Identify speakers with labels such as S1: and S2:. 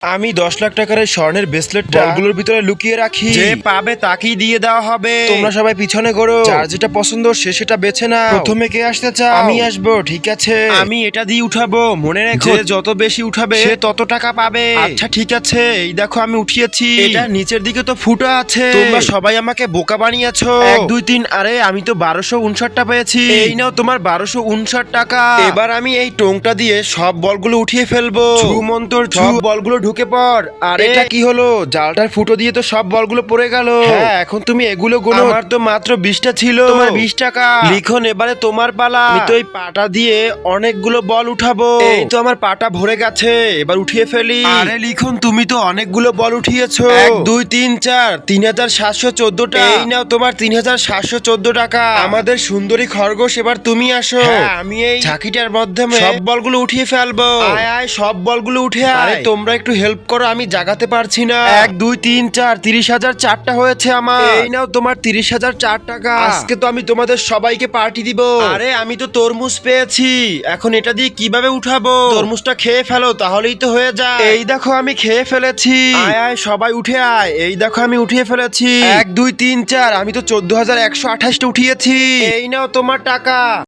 S1: আমি 10 লাখ টাকার এই স্বর্ণের ব্রেসলেটটা বলগুলোর ভিতরে লুকিয়ে রাখি, যে পাবে তাকেই দিয়ে দেওয়া হবে। তোমরা সবাই পিছনে ঘোরো, যার যেটা পছন্দ সে সেটা বেছে নাও। প্রথমে কে আসতে চাও? আমি আসবো, ঠিক আছে। আমি এটা দিয়ে উঠাবো, মনে রেখো যে যত বেশি উঠাবে সে তত টাকা পাবে। আচ্ছা ঠিক আছে, এই দেখো আমি উঠিয়েছি। এটা নিচের দিকে তো ফুটো আছে, তোমরা সবাই আমাকে বোকা বানিয়েছো। 1 2 3, আরে আমি তো 1259টা পেয়েছি। এই নাও তোমার 1259 টাকা। এবার আমি এই টোংটা দিয়ে সব বলগুলো উঠিয়ে ফেলবো। ছু মন্তর ছু, সব বলগুলো ঢুকে পড়। আর এটা কি হলো? জালটার ফুটো দিয়ে তো সব বলগুলো পড়ে গেল। হ্যাঁ, এখন তুমি এগুলো গুনো। আমার তো মাত্র 20টা ছিল, তোমার 20 টাকা। লিখন, এবারে তোমার পালা। আমি তো এই পাটা দিয়ে অনেকগুলো বল উঠাবো। এই তো আমার পাটা ভরে গেছে, এবার উঠিয়ে ফেলি। আরে লিখন, তুমি তো অনেকগুলো বল উঠিয়েছো। 1 2 3 4, 3714টা। এই নাও তোমার 3714 টাকা। আমাদের সুন্দরী খরগোশ, এবার তুমি আসো। হ্যাঁ, আমি এই ঝাঁকিটার মাধ্যমে সব বলগুলো উঠিয়ে ফেলবো। আয় আয়, সব বলগুলো উঠে আয়। আরে তোমরা একটু হেল্প করো, আমি জাগাতে পারছি না। 1 2 3 4, 30,004টা হয়েছে আমার। এই নাও তোমার 30,004 টাকা। আজকে তো আমি তোমাদের সবাইকে পার্টি দিব। আরে আমি তো তরমুজ পেয়েছি, এখন এটা দিয়ে কিভাবে উঠাবো? তরমুজটা খেয়ে ফেলো, তাহলেই তো হয়ে যায়। এই দেখো আমি খেয়ে ফেলেছি। আয় আয় সবাই উঠে আয়। এই দেখো আমি উঠিয়ে ফেলেছি। 1 2 3 4, আমি তো 14,128টা উঠিয়েছি। এই নাও তোমার টাকা।